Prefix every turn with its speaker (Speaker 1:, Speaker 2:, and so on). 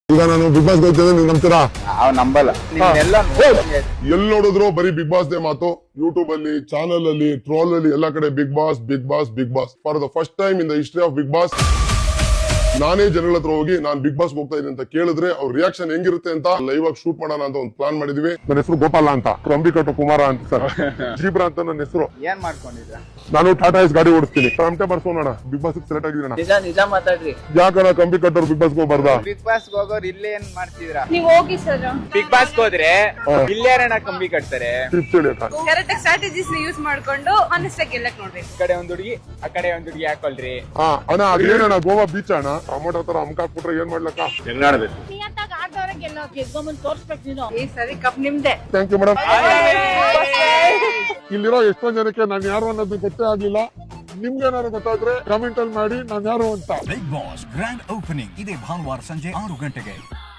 Speaker 1: ಈಗ ನಾನು big boss ಹೋಗ್ತಿದ್ದೆ, ನೀವು ನಂಬ್ತೀರಾ?
Speaker 2: ನಂಬಲ್ಲ.
Speaker 1: ಎಲ್ಲಿ ನೋಡಿದ್ರು ಬರೀ ಬಿಗ್ ಬಾಸ್ ದೇ ಮಾತು. ಯೂಟ್ಯೂಬ್ ಅಲ್ಲಿ, ಚಾನಲ್ ಅಲ್ಲಿ, ಟ್ರೋಲ್ ಅಲ್ಲಿ ಎಲ್ಲ ಕಡೆ big boss big boss big boss. For the first time in the history of big boss ನಾನೇ ಜನಗಳ ಹತ್ರ ಹೋಗಿ ನಾನು ಬಿಗ್ ಬಾಸ್ ಹೋಗ್ತಾ ಇದ್ದೀನಿ ಅಂತ ಕೇಳಿದ್ರೆ ಅವ್ರ ರಿಯಾಕ್ಷನ್ ಹೆಂಗಿರುತ್ತೆ ಅಂತ ಲೈವ್ ಆಗಿ ಶೂಟ್ ಮಾಡೋಣ ಅಂತ ಒಂದು ಪ್ಲಾನ್ ಮಾಡಿದ್ವಿ. ನನ್ನ ಹೆಸರು ಗೋಪಾಲ ಅಂತ, ಕಂಬಿಕಟ್ಟು ಕುಮಾರ ಅಂತ ಸರ್, ಜೀಬ್ರಾ ಅಂತ ನನ್ನ ಹೆಸರು.
Speaker 2: ಏನ್ ಮಾಡ್ಕೊಂಡಿದ್ರ?
Speaker 1: ನಾನು ಟಾಟಾ ಎಸ್ ಗಾಡಿ ಓಡಿಸ್ತೀನಿ. ಟಮಟೆ ಬರ್ಸೋಣ, ಬಿಗ್ ಬಾಸ್ ಸೆಲೆಕ್ಟ್ ಆಗಿದ್ದೀನ.
Speaker 2: ನಿಜ ಮಾತಾಡ್ರಿ.
Speaker 1: ಯಾಕಣ್ಣ ಕಂಬಿಕಟ್ಟವ್ರು ಬಿಗ್ ಬಾಸ್ ಹೋಗ್ಬಾರ್ದಾ?
Speaker 2: ಬಿಗ್ ಬಾಸ್ ಹೋಗೋರು ಇಲ್ಲೇ ಏನ್ ಮಾಡ್ತಿದ್ರ?
Speaker 3: ನೀವ್ ಹೋಗಿ ಸರ್.
Speaker 2: ಬಿಗ್ ಬಾಸ್ ಹೋದ್ರೆ ಇಲ್ಲೇರಣ ಕಂಬಿ ಕಟ್ತಾರೆ.
Speaker 1: ಟಿಪ್ಸ್ ಹೇಳಿ ಅಕ್ಕ.
Speaker 3: ಕರೆಕ್ಟ್ ಸ್ಟ್ರಾಟಜೀಸ್ ಯೂಸ್ ಮಾಡ್ಕೊಂಡು ಆನೆಸ್ಟ್ ಆಗಿ ಗೆಲ್ಲಕ್ ನೋಡ್ಬೇಕು.
Speaker 2: ಈ ಕಡೆ ಒಂದ್ ಹುಡುಗಿ, ಆ ಕಡೆ ಒಂದ್ ಹುಡುಗಿ ಹಾಕೊಳ್ರಿ.
Speaker 1: ಅಣ್ಣ ಅದೇನಣ್ಣ ಗೋವಾ ಬೀಚ್ ಅಣ್ಣ, ಟೊಮೊಟೊ ತರ ಅಮ್ಕಾಕ್ಬಿಟ್ರೆ ಏನ್ ಮಾಡ್ಲಕ್ಕ?
Speaker 2: ಹೆಂಗಾಡ್ಬೇಕು?
Speaker 3: ಈ ಸರಿ ಕಪ್ ನಿಮ್ದೆ.
Speaker 1: Thank you madam. ಇಲ್ಲಿರೋ ಎಷ್ಟೊಂದ್ ಜನಕ್ಕೆ ನಾನು ಯಾರು ಅನ್ನೋದು ಗೊತ್ತೇ ಆಗ್ಲಿಲ್ಲ. ನಿಮ್ಗೆ ಏನಾದ್ರು ಗೊತ್ತಾದ್ರೆ ಕಮೆಂಟ್ ಅಲ್ಲಿ ಮಾಡಿ ನಾನು ಯಾರು ಅಂತ.
Speaker 4: ಬಿಗ್ ಬಾಸ್ ಗ್ರ್ಯಾಂಡ್ ಓಪನಿಂಗ್ ಇದೇ ಭಾನುವಾರ ಸಂಜೆ 6 ಗಂಟೆಗೆ.